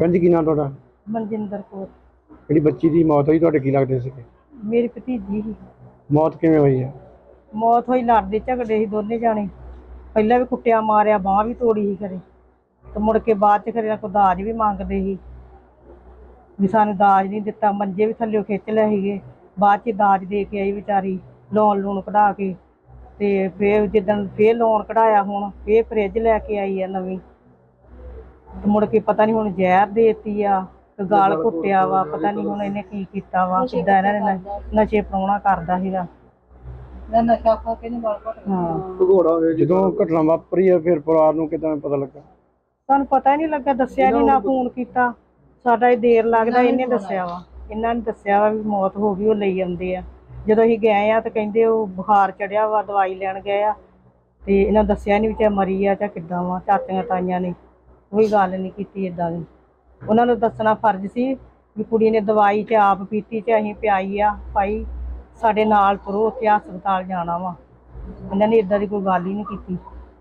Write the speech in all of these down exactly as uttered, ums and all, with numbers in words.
ਭੈਣ ਜੀ ਕੀ ਨਾਮ ਤੁਹਾਡਾ? ਮਨਜਿੰਦਰ ਕੌਰ। ਜਿਹੜੀ ਬੱਚੀ ਦੀ ਮੌਤ ਹੋਈ ਤੁਹਾਡੇ ਕੀ ਲੱਗਦੇ ਸੀਗੇ? ਮੇਰੀ ਭਤੀਜੀ ਸੀ। ਮੌਤ ਕਿਵੇਂ ਹੋਈ ਹੈ? ਮੌਤ ਹੋਈ ਲੜਦੇ ਝਗੜੇ ਸੀ ਦੋਨੇ ਜਾਣੇ। ਪਹਿਲਾਂ ਵੀ ਕੁੱਟਿਆ ਮਾਰਿਆ, ਬਾਂਹ ਵੀ ਤੋੜੀ ਸੀ ਖਰੇ, ਤੇ ਮੁੜ ਕੇ ਬਾਅਦ 'ਚ ਖਰੇ ਕੋਈ ਦਾਜ ਵੀ ਮੰਗਦੇ ਸੀ ਵੀ ਸਾਨੂੰ ਦਾਜ ਨਹੀਂ ਦਿੱਤਾ। ਮੰਜੇ ਵੀ ਥੱਲਿਓ ਖਿੱਚ ਲਏ ਸੀਗੇ। ਬਾਅਦ 'ਚ ਦਾਜ ਦੇ ਕੇ ਆਈ ਵਿਚਾਰੀ, ਲੋਨ ਲੂਣ ਕਢਾ ਕੇ। ਤੇ ਫਿਰ ਜਿੱਦਣ ਫਿਰ ਲੋਨ ਕਢਾਇਆ, ਹੁਣ ਫਿਰ ਫਰਿੱਜ ਲੈ ਕੇ ਆਈ ਆ ਨਵੀਂ। ਤੇ ਮੁੜ ਕੇ ਪਤਾ ਨਹੀਂ ਹੁਣ ਜ਼ਹਿਰ ਦੇਤੀ ਆ ਤੇ ਗਾਲ ਘੁੱਟਿਆ ਵਾ। ਪਤਾ ਨਹੀਂ ਹੁਣ ਇਹਨੇ ਕੀ ਕੀਤਾ ਵਾ, ਕਿੱਦਾਂ ਇਹਨਾਂ ਨੇ ਨਸ਼ੇ ਪ੍ਰਾਹੁਣਾ ਕਰਦਾ ਸੀਗਾ। ਨਸ਼ਾ ਖਾ ਕੇ ਨਹੀਂ ਗਾਲ ਘੁੱਟਦਾ। ਹਾਂ, ਜਦੋਂ ਘਟਨਾ ਵਾਪਰੀ ਆ ਫਿਰ ਪਰਿਵਾਰ ਨੂੰ ਕਿੱਦਾਂ ਪਤਾ ਲੱਗਾ? ਸਾਨੂੰ ਪਤਾ ਹੀ ਨਹੀਂ ਲੱਗਾ, ਦੱਸਿਆ ਨਹੀਂ, ਨਾ ਫੋਨ ਕੀਤਾ ਸਾਡਾ। ਇਹ ਦੇਰ ਲੱਗਦਾ, ਇਹਨੇ ਦੱਸਿਆ ਵਾ, ਇਹਨਾਂ ਨੇ ਦੱਸਿਆ ਵਾ ਵੀ ਮੌਤ ਹੋ ਗਈ। ਉਹ ਲਈ ਆਉਂਦੇ ਆ। ਜਦੋਂ ਅਸੀਂ ਗਏ ਆ ਤਾਂ ਕਹਿੰਦੇ ਉਹ ਬੁਖਾਰ ਚੜਿਆ ਵਾ, ਦਵਾਈ ਲੈਣ ਗਏ ਆ ਤੇ ਇਹਨਾਂ ਦੱਸਿਆ ਨਹੀਂ ਵੀ ਚਾਹੇ ਮਰੀ ਆ ਜਾਂ ਕਿੱਦਾਂ ਵਾ। ਚਾਚੀਆਂ ਤਾਈਆਂ ਨੇ ਕੋਈ ਗੱਲ ਨਹੀਂ ਕੀਤੀ ਇੱਦਾਂ ਦੀ। ਉਹਨਾਂ ਨੂੰ ਦੱਸਣਾ ਫਰਜ਼ ਸੀ ਵੀ ਕੁੜੀ ਨੇ ਦਵਾਈ 'ਚ ਆਪ ਪੀਤੀ 'ਚ ਅਸੀਂ ਪਿਆਈ ਆ, ਭਾਈ ਸਾਡੇ ਨਾਲ ਤੁਰੋ, ਉੱਥੇ ਹਸਪਤਾਲ ਜਾਣਾ ਵਾ। ਇਹਨਾਂ ਨੇ ਇੱਦਾਂ ਦੀ ਕੋਈ ਗੱਲ ਹੀ ਨਹੀਂ ਕੀਤੀ।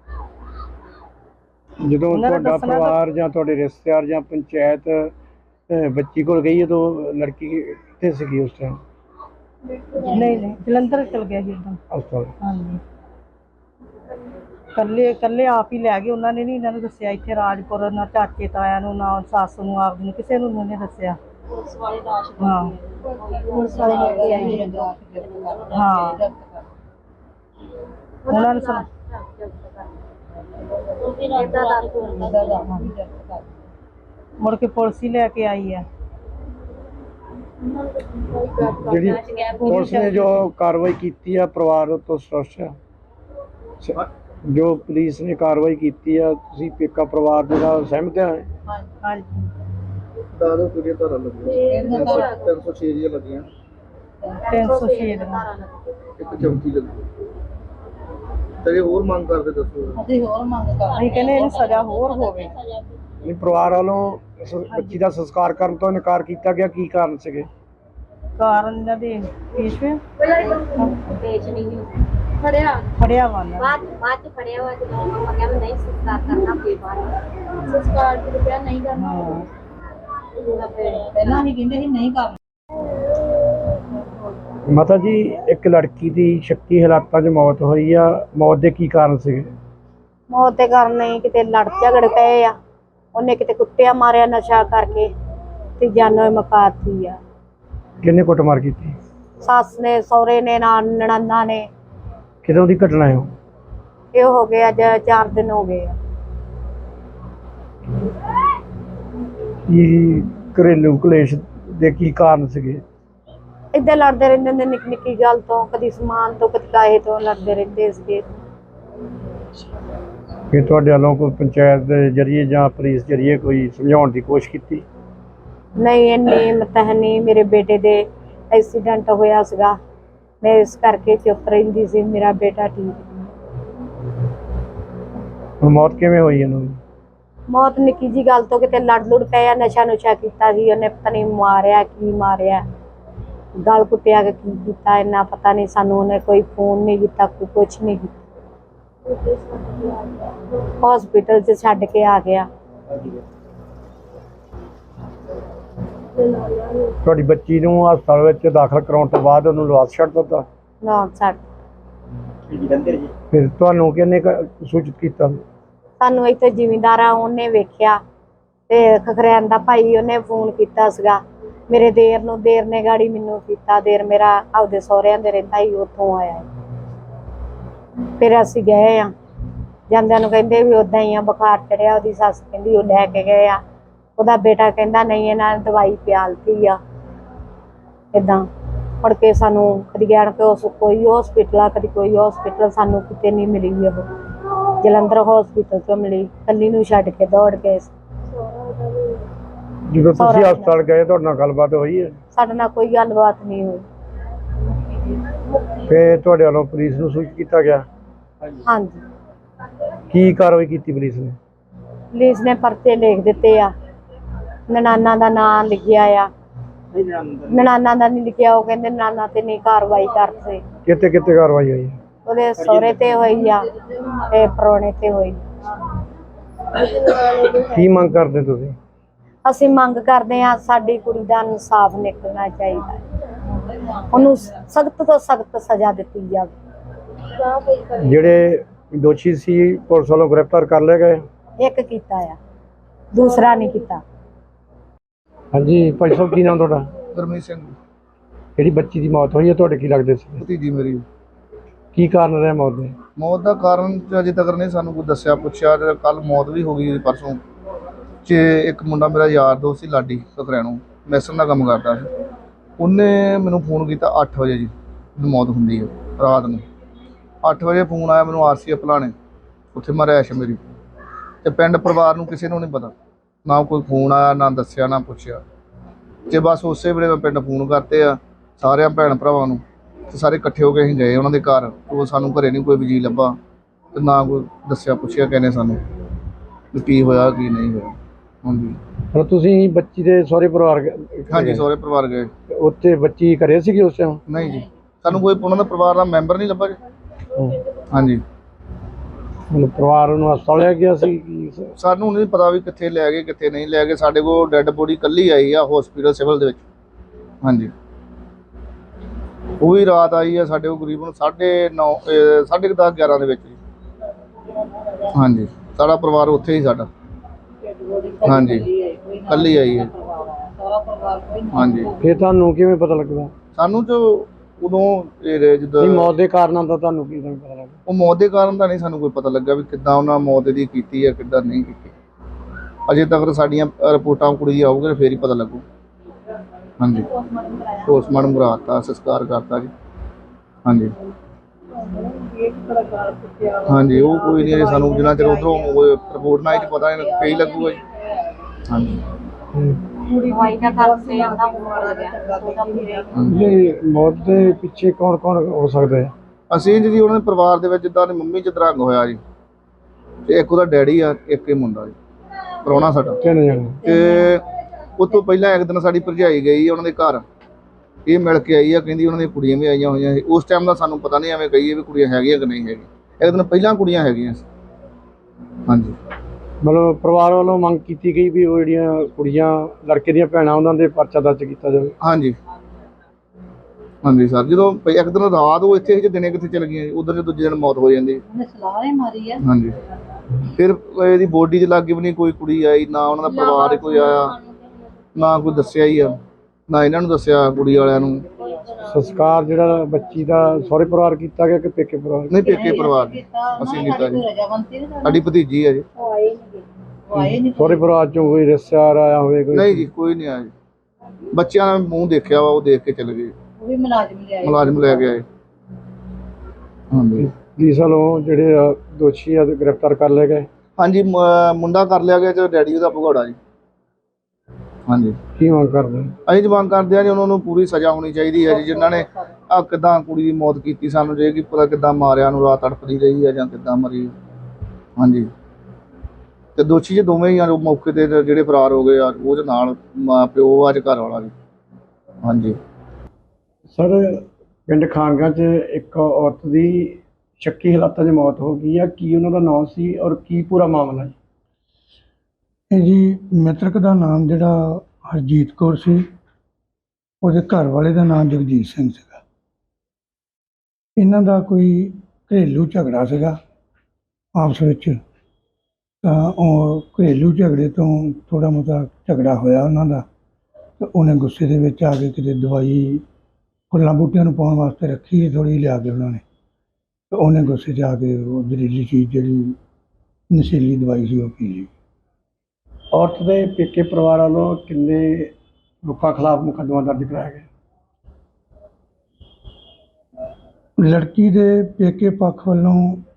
ਜਦੋਂ ਤੁਹਾਡਾ ਪਰਿਵਾਰ ਜਾਂ ਤੁਹਾਡੇ ਰਿਸ਼ਤੇਦਾਰ ਜਾਂ ਪੰਚਾਇਤ ਬੱਚੀ ਕੋਲ ਗਈ ਉਦੋਂ ਲੜਕੀ ਕਿੱਥੇ ਸੀਗੀ ਉਸ ਟਾਈਮ? ਨਹੀਂ ਨਹੀਂ ਜਲੰਧਰ ਚਲ ਗਿਆ ਸੀ ਇੱਦਾਂ ਹਸਪਤਾਲ। ਹਾਂਜੀ, ਇਕੱਲੇ ਇਕੱਲੇ ਆਪ ਹੀ ਲੈ ਗਏ। ਉਹਨਾਂ ਨੇ ਨਹੀਂ ਇਹਨਾਂ ਨੂੰ ਦੱਸਿਆ ਇੱਥੇ ਰਾਜਪੁਰ, ਨਾ ਚਾਚੇ ਤਾਇਆਂ ਨੂੰ, ਨਾ ਸੱਸ ਨੂੰ, ਆਪ ਨੂੰ, ਕਿਸੇ ਨੂੰ ਉਹਨੇ ਦੱਸਿਆ। ਪੁਲਿਸ ਵਾਲੇ ਲਾਸ਼ ਹਾਂ ਪੁਲਿਸ ਵਾਲੇ ਲੈ ਕੇ ਆਏ ਹਾਂ। ਉਹਨਾਂ ਨੂੰ ਸੁਣਾ ਮੁੜ ਕੇ ਪੁਲਿਸ ਹੀ ਲੈ ਕੇ ਆਈ ਆ। ਜਿਹੜੀ ਪੁਲਿਸ ਨੇ ਜੋ ਕਾਰਵਾਈ ਕੀਤੀ ਆ ਪਰਿਵਾਰ ਤੋਂ ਸੰਤੁਸ਼ਟ ਆ? ਜੋ ਪੁਲਿਸ ਨੇ ਕਾਰਵਾਈ ਕੀਤੀ ਆ ਤੁਸੀਂ ਪੇਕਾ ਪਰਿਵਾਰ ਦੇ ਨਾਲ ਸਹਿਮਤ ਆ? ਹਾਂਜੀ। ਦਾਦੋ ਕਿਹੜੀਆਂ ਧਾਰਾਂ ਲੱਗੀਆਂ? ਤਿੰਨ ਸੌ ਛੇ ਦੀਆਂ ਲੱਗੀਆਂ। ਤਿੰਨ ਸੌ ਛੇ ਦਾ ਇੱਕ ਚੌਂਕੀ ਲੱਗੀ। ਤੇ ਹੋਰ ਮੰਗ ਕਰਦੇ ਦੱਸੋ? ਅਸੀਂ ਹੋਰ ਮੰਗ ਕਰਦੇ ਅਸੀਂ ਕਹਿੰਦੇ ਇਹਨੂੰ ਸਜ਼ਾ ਹੋਰ ਹੋਵੇ। ਨਹੀਂ, ਪਰਿਵਾਰ ਵੱਲੋਂ ਇਸ ਬੱਚੀ ਦਾ ਸੰਸਕਾਰ ਕਰਨ ਤੋਂ ਇਨਕਾਰ ਕੀਤਾ ਗਿਆ, ਕੀ ਕਾਰਨ ਸੀਗੇ? ਕਾਰਨ ਇਹਨਾਂ ਦੇ ਪੇਸ਼ਵੇ ਪੇਸ਼ ਨਹੀਂ ਫੜਿਆ ਫੜਿਆ ਵਾ ਨਾ ਬਾਅਦ ਬਾਅਦ ਚ ਫੜਿਆ ਵਾ। ਜਦੋਂ ਮਮਾ ਕਹਿੰਦੇ ਨਹੀਂ ਸੰਸਕਾਰ ਕਰਨਾ, ਕੋਈ ਬਾਤ ਸੰਸਕਾਰ ਤੇ ਰੁਪਿਆ ਨਹੀਂ ਕਰਨਾ। ਪਹਿਲਾਂ ਹੀ ਕਹਿੰਦੇ ਸੀ ਨਹੀਂ ਕਰਨਾ। ਮਾਤਾ ਜੀ, ਇੱਕ ਲੜਕੀ ਦੀ ਸ਼ੱਕੀ ਹਾਲਾਤਾਂ 'ਚ ਮੌਤ ਹੋਈ ਆ, ਮੌਤ ਦੇ ਕੀ ਕਾਰਨ ਸੀਗੇ? ਮੌਤ ਦੇ ਕਾਰਨ ਨਹੀਂ, ਕਿਤੇ ਲੜ ਝਗੜ ਪਏ ਆ। ਉਹਨੇ ਕਿਤੇ ਕੁੱਟਿਆ ਮਾਰਿਆ ਨਸ਼ਾ ਕਰਕੇ ਤੇ ਜਾਨੋਂ ਮੁਕਾਤੀ ਆ। ਕਿੰਨੇ ਕੁੱਟਮਾਰ ਕੀਤੀ? ਸੱਸ ਨੇ, ਸਹੁਰੇ ਨੇ, ਨਾਲ ਨਣਾਨਾ ਨੇ। ਕਿਦੋਂ ਦੀ ਘਟਨਾ ਹੈ? ਇਹ ਹੋ ਗਏ ਅੱਜ ਚਾਰ ਦਿਨ ਹੋ ਗਏ ਆ। ਇਹ ਘਰੇਲੂ ਕਲੇਸ਼ ਦੇ ਕੀ ਕਾਰਨ ਸੀਗੇ? ਏਦਾਂ ਲੜਦੇ ਰਹਿੰਦੇ ਹੁੰਦੇ ਨਿੱਕੀ ਨਿੱਕੀ ਗੱਲ ਤੋਂ, ਕਦੀ ਸਮਾਨ ਤੋਂ, ਕਦੀ ਕਾਹੇ ਤੋਂ ਲੜਦੇ ਰਹਿੰਦੇ ਸੀਗੇ। ਫਿਰ ਤੁਹਾਡੇ ਵੱਲੋਂ ਕੋਈ ਪੰਚਾਇਤ ਦੇ ਜ਼ਰੀਏ ਜਾਂ ਪੁਲਿਸ ਜ਼ਰੀਏ ਕੋਈ ਸਮਝਾਉਣ ਦੀ ਕੋਸ਼ਿਸ਼ ਕੀਤੀ? ਨਹੀਂ, ਇੰਨੀ ਮਤਲਬ ਨਹੀਂ। ਮੇਰੇ ਬੇਟੇ ਦੇ ਐਕਸੀਡੈਂਟ ਹੋਇਆ ਸੀਗਾ, ਮੈਂ ਇਸ ਕਰਕੇ ਚੁੱਪ ਰਹਿੰਦੀ ਸੀ। ਮੇਰਾ ਬੇਟਾ ਠੀਕ। ਹੁਣ ਮੌਤ ਕਿਵੇਂ ਹੋਈ ਇਹਨੂੰ? ਮੌਤ ਨਿੱਕੀ ਜੀ ਗੱਲ ਤੋਂ, ਕਿਤੇ ਲੜ ਲੁੜ ਪਿਆ, ਨਸ਼ਾ ਨੁਸ਼ਾ ਕੀਤਾ ਸੀ ਉਹਨੇ, ਪਤਾ ਨਹੀਂ ਮਾਰਿਆ ਕੀ ਮਾਰਿਆ, ਗਲ ਕੁੱਟਿਆ ਕਿ ਕੀ ਕੀਤਾ, ਇੰਨਾ ਪਤਾ ਨਹੀਂ ਸਾਨੂੰ। ਉਹਨੇ ਕੋਈ ਫੋਨ ਨਹੀਂ ਕੀਤਾ, ਕੋਈ ਕੁਛ ਨਹੀਂ ਕੀਤਾ। ਹਸਪੀਟਲ 'ਚ ਛੱਡ ਕੇ ਆ ਗਿਆ। ਤੁਹਾਡੀ ਬੱਚੀ ਨੂੰ ਹਸਪਤਾਲ ਵਿੱਚ ਦਾਖਲ ਕਰਾਉਣ ਤੋਂ ਬਾਅਦ ਉਹਨੂੰ ਲਵਾਸ ਛੱਡ ਦਿੱਤਾ? ਨਾ ਛੱਡ। ਫਿਰ ਤੁਹਾਨੂੰ ਕਿਹਨੇ ਕ- ਸੂਚਿਤ ਕੀਤਾ? ਸਾਨੂੰ ਇੱਥੇ ਜ਼ਿਮੀਂਦਾਰਾਂ ਉਹਨੇ ਵੇਖਿਆ ਤੇ ਖਖਰੈਨ ਦਾ ਭਾਈ ਉਹਨੇ ਫੋਨ ਕੀਤਾ ਸੀਗਾ ਮੇਰੇ ਦੇਰ ਨੂੰ। ਦੇਰ ਨੇ ਗਾੜੀ ਮੈਨੂੰ ਕੀਤਾ। ਦੇਰ ਮੇਰਾ ਆਪਦੇ ਸਹੁਰਿਆਂ ਦੇ ਰਹਿੰਦਾ ਹੀ, ਉੱਥੋਂ ਆਇਆ। ਫਿਰ ਅਸੀਂ ਗਏ ਆ, ਜਾਂਦਿਆਂ ਨੂੰ ਕਹਿੰਦੇ ਵੀ ਉੱਦਾਂ ਹੀ ਆ, ਬੁਖਾਰ ਚੜਿਆ। ਉਹਦੀ ਸੱਸ ਕਹਿੰਦੀ ਉਹ ਲੈ ਕੇ ਗਏ ਆ। ਉਹਦਾ ਬੇਟਾ ਕਹਿੰਦਾ ਨਹੀਂ, ਇਹਨਾਂ ਨੇ ਦਵਾਈ ਪਿਆਲਤੀ ਆ। ਏਦਾਂ ਮੁੜ ਕੇ ਸਾਨੂੰ ਕਦੀ ਗੈਣ ਕੇ ਉਸ ਕੋਈ ਹੌਸਪੀਟਲ ਆ, ਕਦੀ ਕੋਈ ਹੌਸਪੀਟਲ, ਸਾਨੂੰ ਕਿਤੇ ਨਹੀਂ ਮਿਲੀ। ਉਹ ਜਲੰਧਰ ਹੌਸਪੀਟਲ 'ਚੋਂ ਮਿਲੀ। ਕੱਲੀ ਨੂੰ ਛੱਡ ਕੇ ਦੌੜ ਗਏ। ਜਦੋਂ ਤੁਸੀਂ ਹਸਪਤਾਲ ਗਏ ਤੁਹਾਡੇ ਨਾਲ ਗੱਲਬਾਤ ਹੋਈ ਹੈ? ਸਾਡੇ ਨਾਲ ਕੋਈ ਗੱਲਬਾਤ ਨਹੀਂ ਹੋਈ। ਫਿਰ ਤੁਹਾਡੇ ਵੱਲੋਂ ਪੁਲਿਸ ਨੂੰ ਸੂਚਿਤ ਕੀਤਾ ਗਿਆ? ਹਾਂਜੀ, ਕੀ ਕਾਰਵਾਈ ਕੀਤੀ ਪੁਲਿਸ ਨੇ? ਪੁਲਿਸ ਨੇ ਪਰਚੇ ਲਿਖ ਦਿੱਤੇ ਆ। ਨਨਾਨਾ ਦਾ ਨਾਂ ਲਿਖਿਆ ਆ। ਨਨਾਨਾ ਦਾ ਨਹੀਂ ਲਿਖਿਆ। ਉਹ ਕਹਿੰਦੇ ਨਨਾਨਾ ਤੇ ਨਹੀਂ ਕਾਰਵਾਈ ਕਰਦੇ। ਕਿਤੇ ਕਿਤੇ ਕਾਰਵਾਈ ਹੋਈ? ਉਹਦੇ ਸਹੁਰੇ ਤੇ ਹੋਈ ਆ ਤੇ ਪਰੋਣੇ ਤੇ ਹੋਈ। ਕੀ ਮੰਗ ਕਰਦੇ ਤੁਸੀਂ? ਅਸੀਂ ਮੰਗ ਕਰਦੇ ਹਾਂ ਸਾਡੀ ਕੁੜੀ ਦਾ ਇਨਸਾਫ ਨਿਕਲਣਾ ਚਾਹੀਦਾ ਹੈ। ਉਹਨੂੰ ਸਖਤ ਤੋਂ ਸਖਤ ਸਜ਼ਾ ਦਿੱਤੀ ਜਾਵੇ। ਜਿਹੜੇ ਦੋਸ਼ੀ ਸੀ ਪੁਲਿਸ ਵੱਲੋਂ ਗ੍ਰਿਫਤਾਰ ਕਰ ਲਏ ਗਏ? ਇੱਕ ਕੀਤਾ ਆ, ਦੂਸਰਾ ਨਹੀਂ ਕੀਤਾ। ਹਾਂਜੀ ਭਾਈ ਸਾਹਿਬ, ਕੀ ਨਾਮ ਤੁਹਾਡਾ? ਗੁਰਮੀਤ ਸਿੰਘ, ਜਿਹੜੀ ਬੱਚੀ ਦੀ ਮੌਤ ਹੋਈ ਹੈ ਤੁਹਾਡੇ ਕੀ ਲੱਗਦੇ ਸੀ? ਭਤੀਜੀ ਮੇਰੀ। ਕੀ ਕਾਰਨ ਰਿਹਾ ਮੌਤ ਦੇ? ਮੌਤ ਦਾ ਕਾਰਨ ਤਾਂ ਅਜੇ ਤੱਕ ਨਹੀਂ ਸਾਨੂੰ ਕੋਈ ਦੱਸਿਆ ਪੁੱਛਿਆ। ਤੇ ਕੱਲ ਮੌਤ ਵੀ ਹੋ ਗਈ ਪਰਸੋਂ। ਤੇ ਇੱਕ ਮੁੰਡਾ ਮੇਰਾ ਯਾਰ ਦੋਸਤ ਸੀ ਲਾਡੀ ਸਤਰੈਣੋਂ, ਮੈਸਨ ਦਾ ਕੰਮ ਕਰਦਾ ਸੀ। ਉਹਨੇ ਮੈਨੂੰ ਫੋਨ ਕੀਤਾ ਅੱਠ ਵਜੇ ਜੀ, ਮੌਤ ਹੁੰਦੀ ਹੈ ਰਾਤ ਨੂੰ। ਅੱਠ ਵਜੇ ਫੋਨ ਆਇਆ ਮੈਨੂੰ ਆਰ ਸੀ ਭਲਾਣੇ, ਉੱਥੇ ਮੈਂ ਰਿਹਾਇਸ਼ ਮੇਰੀ। ਤੇ ਪਿੰਡ ਪਰਿਵਾਰ ਨੂੰ ਕਿਸੇ ਨੂੰ ਨਹੀਂ ਪਤਾ, ਨਾ ਕੋਈ ਫੋਨ ਆਇਆ, ਨਾ ਦੱਸਿਆ, ਨਾ ਪੁੱਛਿਆ। ਤੇ ਬਸ ਉਸੇ ਵੇਲੇ ਮੈਂ ਪਿੰਡ ਫੋਨ ਕਰਤੇ ਆ ਸਾਰਿਆਂ ਭੈਣ ਭਰਾਵਾਂ ਨੂੰ, ਤੇ ਸਾਰੇ ਇਕੱਠੇ ਹੋ ਕੇ ਅਸੀਂ ਗਏ ਉਹਨਾਂ ਦੇ ਘਰ। ਉਹ ਸਾਨੂੰ ਘਰੇ ਨਹੀਂ ਕੋਈ ਵੀ ਜੀ ਲੱਭਾ, ਤੇ ਨਾ ਕੋਈ ਦੱਸਿਆ ਪੁੱਛਿਆ ਕਹਿੰਦੇ ਸਾਨੂੰ ਵੀ ਕੀ ਹੋਇਆ ਕੀ ਨਹੀਂ ਹੋਇਆ। ਹਾਂਜੀ ਹੁਣ ਤੁਸੀਂ ਬੱਚੀ ਦੇ ਸਹੁਰੇ ਪਰਿਵਾਰ ਗਏ? ਹਾਂਜੀ ਸਹੁਰੇ ਪਰਿਵਾਰ ਗਏ। ਉੱਥੇ ਬੱਚੀ ਘਰੇ ਸੀਗੀ ਉਸ ਟਾਈਮ? ਨਹੀਂ ਜੀ, ਸਾਨੂੰ ਕੋਈ ਉਹਨਾਂ ਦਾ ਪਰਿਵਾਰ ਦਾ ਮੈਂਬਰ ਨਹੀਂ ਲੱਭਾ ਜੀ। ਹਾਂਜੀ ਹੁਣ ਪਰਿਵਾਰ ਨੂੰ ਹਸਪਤਾਲ ਲਿਆ ਗਿਆ ਸੀ ਕੀ? ਸਾਨੂੰ ਨਹੀਂ ਪਤਾ ਵੀ ਕਿੱਥੇ ਲੈ ਗਏ ਕਿੱਥੇ ਨਹੀਂ ਲੈ ਗਏ। ਸਾਡੇ ਕੋਲ ਡੈੱਡ ਬੋਡੀ ਇਕੱਲੀ ਆਈ ਆ ਹਸਪੀਟਲ ਸਿਵਲ ਦੇ ਵਿੱਚ। ਹਾਂਜੀ ਉਹ ਵੀ ਰਾਤ ਆਈ ਆ ਸਾਡੇ ਕੋਲ ਕਰੀਬਨ ਸਾਢੇ ਨੌ ਸਾਢੇ ਕੁ ਦਸ ਗਿਆਰਾਂ ਦੇ ਵਿੱਚ ਜੀ। ਹਾਂਜੀ ਸਾਡਾ ਪਰਿਵਾਰ ਉੱਥੇ ਹੀ ਸਾਡਾ। ਹਾਂਜੀ ਇਕੱਲੀ ਆਈ ਹੈ। ਹਾਂਜੀ ਫਿਰ ਤੁਹਾਨੂੰ ਕਿਵੇਂ ਪਤਾ ਲੱਗਦਾ? ਸਾਨੂੰ ਜੋ ਉਦੋਂ ਇਹ ਜਦੋਂ ਨਹੀਂ, ਮੌਤ ਦੇ ਕਾਰਨਾਂ ਦਾ ਤੁਹਾਨੂੰ ਕੀ ਪਤਾ ਲੱਗਾ? ਉਹ ਮੌਤ ਦੇ ਕਾਰਨ ਦਾ ਨਹੀਂ ਸਾਨੂੰ ਕੋਈ ਪਤਾ ਲੱਗਾ ਵੀ ਕਿੱਦਾਂ ਉਹਨਾਂ ਮੌਤ ਦੀ ਕੀਤੀ ਹੈ ਕਿੱਦਾਂ ਨਹੀਂ ਕੀਤੀ। ਅਜੇ ਤੱਕ ਸਾਡੀਆਂ ਰਿਪੋਰਟਾਂ ਕੁੜੀ ਆਊਗੀ ਫੇਰ ਹੀ ਪਤਾ ਲੱਗੂ। ਹਾਂਜੀ ਪੋਸਟਮਾਰਟਮ ਕਰਾਤਾ, ਸੰਸਕਾਰ ਕਰਤਾ ਜੀ। ਹਾਂਜੀ ਹਾਂਜੀ ਉਹ ਕੋਈ ਨਹੀਂ ਸਾਨੂੰ ਜਿੰਨਾ ਚਿਰ ਉੱਧਰੋਂ ਰਿਪੋਰਟ ਨਾ ਆਈ ਪਤਾ ਨਹੀਂ ਫੇਰ ਹੀ ਲੱਗੂਗਾ ਜੀ। ਹਾਂਜੀ ਦਵਾਈ ਦਾ ਕਰਕੇ ਆਂਦਾ ਮੁੱਕ ਗਿਆ। ਇਹ ਮੌਤ ਦੇ ਪਿੱਛੇ ਕੌਣ ਕੌਣ ਹੋ ਸਕਦਾ ਹੈ? ਅਸੀਂ ਜੀ ਉਹਨਾਂ ਦੇ ਪਰਿਵਾਰ ਦੇ ਵਿੱਚ ਜਿੱਦਾਂ ਦੀ ਮੰਮੀ ਚਤਰੰਗ ਹੋਇਆ ਜੀ, ਤੇ ਇੱਕ ਉਹਦਾ ਡੈਡੀ ਆ, ਇੱਕ ਇਹ ਮੁੰਡਾ ਜੀ ਪ੍ਰਾਹੁਣਾ ਸਾਡਾ। ਤਿੰਨ ਜਣੇ? ਤੇ ਉਹ ਤੋਂ ਪਹਿਲਾਂ ਇੱਕ ਦਿਨ ਸਾਡੀ ਭਰਜਾਈ ਗਈ ਉਹਨਾਂ ਦੇ ਘਰ, ਇਹ ਮਿਲ ਕੇ ਆਈ ਆ, ਕਹਿੰਦੀ ਉਹਨਾਂ ਦੀਆਂ ਕੁੜੀਆਂ ਵੀ ਆਈਆਂ ਹੋਈਆਂ ਸੀ। ਉਸ ਟਾਈਮ ਦਾ ਸਾਨੂੰ ਪਤਾ ਨਹੀਂ, ਐਵੇਂ ਕਹੀਏ ਵੀ ਕੁੜੀਆਂ ਹੈਗੀਆਂ ਕਿ ਨਹੀਂ ਹੈਗੀਆਂ। ਇੱਕ ਦਿਨ ਪਹਿਲਾਂ ਕੁੜੀਆਂ ਹੈਗੀਆਂ ਸੀ। ਹਾਂਜੀ ਮਤਲਬ ਪਰਿਵਾਰ ਵੱਲੋਂ ਮੰਗ ਕੀਤੀ ਗਈ ਵੀ ਉਹ ਜਿਹੜੀਆਂ ਕੁੜੀਆਂ ਲੜਕੇ ਦੀਆਂ ਭੈਣਾਂ ਉਹਨਾਂ ਦੇ ਪਰਚਾ ਦਰਜ ਕੀਤਾ ਜਾਵੇ? ਹਾਂਜੀ ਹਾਂਜੀ ਸਰ, ਜਦੋਂ ਪ- ਇੱਕ ਦਿਨ ਰਾਤ ਉਹ ਇੱਥੇ ਸੀ, ਦਿਨੇ ਕਿੱਥੇ ਚਲ ਗਈਆਂ ਜੀ, ਉਧਰ ਦੂਜੇ ਦਿਨ ਮੌਤ ਹੋ ਜਾਂਦੀ। ਹਾਂਜੀ ਫਿਰ ਇਹਦੀ ਬੋਡੀ ਦੇ ਲਾਗੇ ਵੀ ਨਹੀਂ ਕੋਈ ਕੁੜੀ ਆਈ, ਨਾ ਉਹਨਾਂ ਦਾ ਪਰਿਵਾਰ ਕੋਈ ਆਇਆ, ਨਾ ਕੋਈ ਦੱਸਿਆ ਹੀ ਆ, ਨਾ ਇਹਨਾਂ ਨੂੰ ਦੱਸਿਆ ਕੁੜੀ ਵਾਲਿਆਂ ਨੂੰ। ਸੰਸਕਾਰ ਜਿਹੜਾ ਬੱਚੀ ਦਾ ਸਹੁਰੇ ਪਰਿਵਾਰ ਕੀਤਾ ਗਿਆ ਕਿ ਪੇਕੇ ਪਰਿਵਾਰ? ਨਹੀਂ ਪੇਕੇ ਪਰਿਵਾਰ ਨੇ ਅਸੀਂ ਕੀਤਾ ਜੀ। ਸਾਡੀ ਭਤੀਜੀ ਹੈ ਜੀ। ਸਹੁਰੇ ਪਰਿਵਾਰ ਚੋਂ ਕੋਈ ਰਿਸ਼ਤੇਦਾਰ ਆਇਆ ਹੋਵੇ? ਕੋਈ ਨਹੀਂ ਜੀ ਕੋਈ ਨਹੀਂ ਆਇਆ ਜੀ। ਬੱਚਿਆਂ ਨੇ ਮੂੰਹ ਦੇਖਿਆ ਵਾ, ਉਹ ਦੇਖ ਕੇ ਚਲੇ ਗਏ। ਉਹ ਵੀ ਮੁਲਾਜ਼ਮ ਲਿਆਏ ਮੁਲਾਜ਼ਮ ਲੈ ਕੇ ਆਏ। ਹਾਂਜੀ ਪੁਲਿਸ ਵੱਲੋਂ ਜਿਹੜੇ ਆ ਦੋਸ਼ੀ ਆ ਗ੍ਰਿਫਤਾਰ ਕਰ ਲਏ ਗਏ? ਹਾਂਜੀ ਮ- ਮੁੰਡਾ ਕਰ ਲਿਆ ਗਿਆ ਤੇ ਡੈਡੀ ਉਹਦਾ ਭਗੌੜਾ ਜੀ। ਹਾਂਜੀ ਕੀ ਮੰਗ ਕਰਦੇ? ਅਸੀਂ ਮੰਗ ਕਰਦੇ ਹਾਂ ਜੀ ਉਹਨਾਂ ਨੂੰ ਪੂਰੀ ਸਜ਼ਾ ਹੋਣੀ ਚਾਹੀਦੀ ਹੈ ਜੀ। ਜਿਨ੍ਹਾਂ ਨੇ ਆ ਕਿੱਦਾਂ ਕੁੜੀ ਦੀ ਮੌਤ ਕੀਤੀ, ਸਾਨੂੰ ਜੇ ਕੀ ਪਤਾ ਕਿੱਦਾਂ ਮਾਰਿਆ ਨੂੰ, ਰਾਤ ਤੜਫਦੀ ਰਹੀ ਹੈ ਜਾਂ ਕਿੱਦਾਂ ਮਰੀ। ਹਾਂਜੀ ਤੇ ਦੋਸ਼ੀ ਜੀ ਦੋਵੇਂ ਹੀ ਆ, ਜੋ ਮੌਕੇ ਤੇ ਜਿਹੜੇ ਫਰਾਰ ਹੋ ਗਏ ਆ, ਉਹਦੇ ਨਾਲ ਮਾਂ ਪਿਓ ਅੱਜ ਘਰ ਵਾਲਾ ਜੀ। ਹਾਂਜੀ ਸਰ, ਪਿੰਡ ਖਾਨਗਾ 'ਚ ਇੱਕ ਔਰਤ ਦੀ ਸ਼ੱਕੀ ਹਾਲਾਤਾਂ 'ਚ ਮੌਤ ਹੋ ਗਈ ਆ, ਕੀ ਉਹਨਾਂ ਦਾ ਨਾਮ ਸੀ ਔਰ ਕੀ ਪੂਰਾ ਮਾਮਲਾ ਜੀ? ਇਹ ਜੀ ਮ੍ਰਿਤਕ ਦਾ ਨਾਮ ਜਿਹੜਾ ਹਰਜੀਤ ਕੌਰ ਸੀ, ਉਹਦੇ ਘਰ ਵਾਲੇ ਦਾ ਨਾਮ ਜਗਜੀਤ ਸਿੰਘ ਸੀਗਾ। ਇਹਨਾਂ ਦਾ ਕੋਈ ਘਰੇਲੂ ਝਗੜਾ ਸੀਗਾ ਆਪਸ ਵਿੱਚ, ਤਾਂ ਉਹ ਘਰੇਲੂ ਝਗੜੇ ਤੋਂ ਥੋੜ੍ਹਾ ਬਹੁਤਾ ਝਗੜਾ ਹੋਇਆ ਉਹਨਾਂ ਦਾ, ਤੇ ਉਹਨੇ ਗੁੱਸੇ ਦੇ ਵਿੱਚ ਆ ਕੇ ਕਿਤੇ ਦਵਾਈ ਫੁੱਲਾਂ ਬੂਟਿਆਂ ਨੂੰ ਪਾਉਣ ਵਾਸਤੇ ਰੱਖੀ ਥੋੜ੍ਹੀ ਲਿਆ ਕੇ ਉਹਨਾਂ ਨੇ, ਤੇ ਉਹਨੇ ਗੁੱਸੇ 'ਚ ਆ ਕੇ ਉਹ ਜ਼ਹਿਰੀਲੀ ਚੀਜ਼ ਜਿਹੜੀ ਨਸ਼ੀਲੀ ਦਵਾਈ ਸੀ ਉਹ ਪੀ ਲਈ। ਔਰਤ ਦੇ ਪੇਕੇ ਪਰਿਵਾਰ ਵੱਲੋਂ ਕਿੰਨੇ ਲੋਕਾਂ ਖਿਲਾਫ ਮੁਕੱਦਮਾ ਦਰਜ ਕਰਾਇਆ ਗਿਆ? ਲੜਕੀ ਦੇ ਪੇਕੇ ਪੱਖ ਵੱਲੋਂ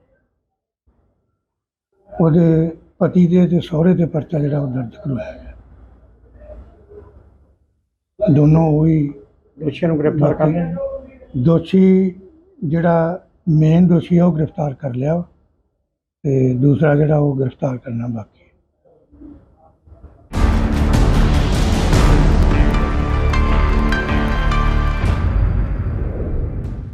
ਉਹਦੇ ਪਤੀ ਦੇ ਤੇ ਸਹੁਰੇ ਦੇ ਪਰਚਾ ਜਿਹੜਾ ਉਹ ਦਰਜ ਕਰਵਾਇਆ ਗਿਆ। ਦੋਨੋਂ ਉਹੀ ਦੋਸ਼ੀਆਂ ਨੂੰ ਗ੍ਰਿਫਤਾਰ ਕਰ ਲਿਆ? ਦੋਸ਼ੀ ਜਿਹੜਾ ਮੇਨ ਦੋਸ਼ੀ ਆ ਉਹ ਗ੍ਰਿਫਤਾਰ ਕਰ ਲਿਆ, ਤੇ ਦੂਸਰਾ ਜਿਹੜਾ ਉਹ ਗ੍ਰਿਫਤਾਰ ਕਰਨਾ ਬਾਕੀ।